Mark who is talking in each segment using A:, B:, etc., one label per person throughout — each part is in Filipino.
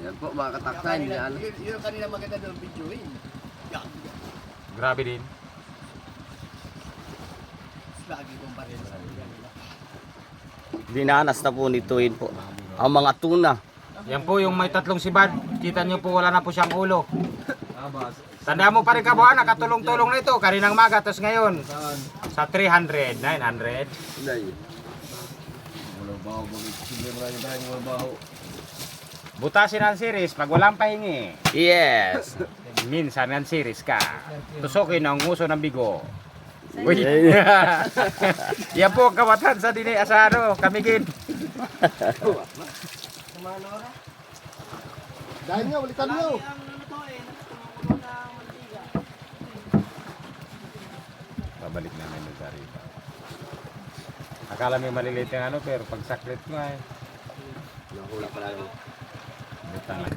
A: Yan po mga kataksan. Yan.
B: Yun ang kanina maganda doon video eh. Yan.
C: Grabe din.
B: Lagi kong pa rin sa nila.
D: Dinanas na po nituin po ang mga tuna.
C: Yan po yung may tatlong sibad. Kita nyo po wala na po siyang ulo. Tanda mo pa rin kabuhan, nakatulong-tulong na ito. Kaninang maga, tapos ngayon. Sa 300, 900.
A: Nay.
C: Butasin ang series pag walang pahingi.
D: Yes.
C: Minsan ang series ka. Tusukin ang nguso ng bigo. Uy. Yan po ang kawatan sa dini asaro. Kamigin.
B: Dahil nyo, ulitan nyo.
C: Babalik namin doon sa riba. Akala may maliliit yung ano, pero pag saklit ko ay.
A: Nakula pala lang.
C: Butang lang.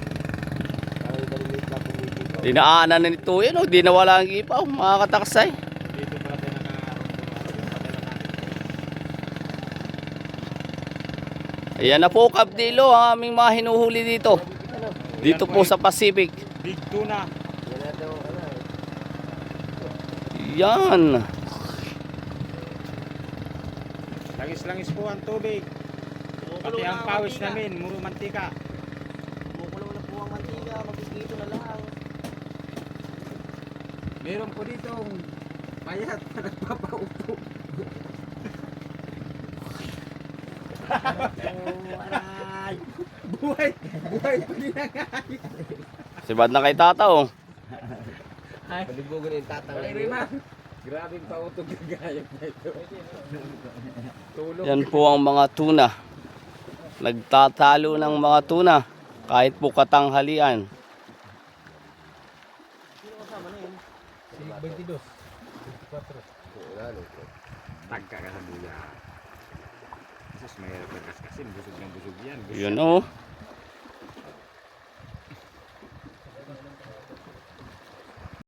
D: Dinaanan na nituin oh, di nawala ang ipaw mga kataksay.
C: Dito pala tayo
D: Ayan na po Kabdilo ang aming mga hinuhuli dito. Dito po sa Pacific.
C: Big tuna.
D: Yan.
C: Langis-langis po ang tubig. Pati ang pawis namin, muro mantika.
B: Kumukulo na po ang mantika, magkikito na lang.
C: Meron po dito payat na nagpapaupo.
B: Aray!
C: Buhay po din ang
D: Sibad na kay Tata oh.
A: Palibugan yung tatang.
C: Grabing pautog yung gayag na ito. Tulog.
D: Yan po ang mga tuna. Nagtatalo ng mga tuna kahit po katanghalian.
C: Si 22. 24. Tagka ka sa buya. Jesus, mahirap na kaskasin. Busog ng busog yan.
D: Yun oh.